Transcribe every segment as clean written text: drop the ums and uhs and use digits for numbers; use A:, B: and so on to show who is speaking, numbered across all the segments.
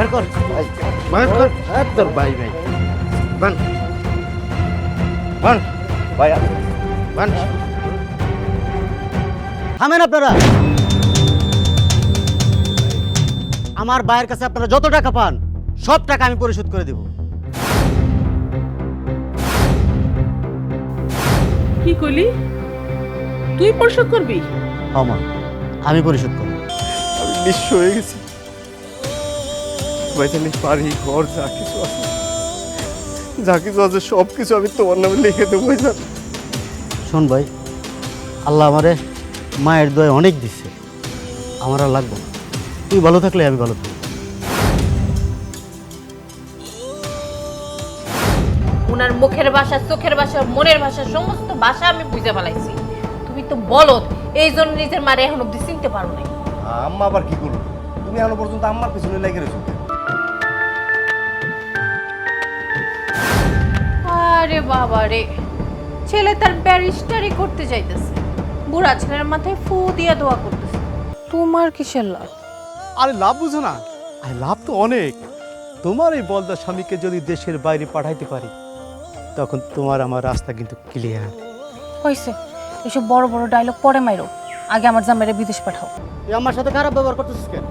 A: বের কর বের কর তোর ভাই ভাই বান বান ভাই বান থামেন আপনারা। আমার ভাইয়ের কাছে আপনারা যত টাকা পান সব টাকা আমি পরিশোধ করে দেব।
B: কি কইলি? তুই পরিশোধ করবি?
A: আমা আমি পরিশোধ করব।
C: আমি নিঃস্ব হয়ে গেছি ভাইজানি, বাড়ি ঘর যা কিছু আছে সব কিছু আমি তোমার নামে লিখে দেবো ভাইজান।
A: শোন ভাই, আল্লাহ আমারে মায়ের দয়ে অনেক দিচ্ছে, আমার আর লাগবে না। তুই ভালো থাকলে আমি ভালো থাকবো।
D: ওনার মুখের ভাষা, চোখের ভাষা, মনের ভাষা, সমস্ত ভাষা আমি বুঝে ফেলাইছি। তুমি তো বলদ, এই জন্য নিজের মারে এখন অব্দি চিনতে পারো নাই।
C: আম্মা আবার কি করলো? তুমি এখনো পর্যন্ত আম্মার পিছনে লেগে রয়েছো।
D: আরে বাবা রে, ছেলে তার ব্যারিস্টারি করতে যাইতেছে, বুড়া ছেলের মাথায় ফু দিয়া দোয়া করতেছে। তোমার কিসের লাভ?
E: আরে লাভ বুঝো না, আরে লাভ তো অনেক। তোমার এই বলদা স্বামীকে যদি দেশের বাইরে পাঠাইতে পারি তখন তোমার আমার রাস্তা কিন্তু ক্লিয়ার।
D: হইছে, এসব বড় বড় ডায়লগ পরে মাইরো, আগে আমার জামাইরে বিদেশ পাঠাও।
A: তুই আমার সাথে খারাপ ব্যবহার করতেছিস কেন?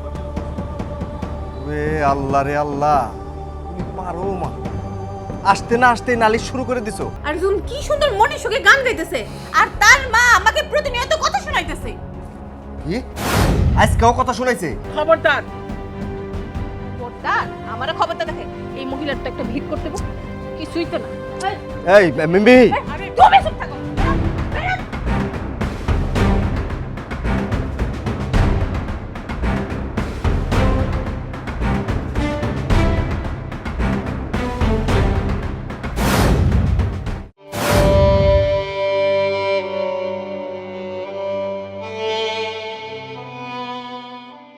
C: আল্লাহ রে আল্লাহ, তুমি পারো মা। আসতে না আসতে নালিশ শুরু করে দিছো।
D: আর জুন কি সুন্দর মনের সুখে গান গাইতেছে, আর তার মা আমাকে প্রতিনিয়ত কথা শোনাইতেছে।
C: কি আজকেও কথা শুনাইছে?
B: খবরদার!
D: খবরদার, আমারে খবরদার দেখে। এই মহিলার তো একটা ভিড় করতে কিছুই তো না।
C: এই মিমি,
D: আরে তুমি চুপ থাকো।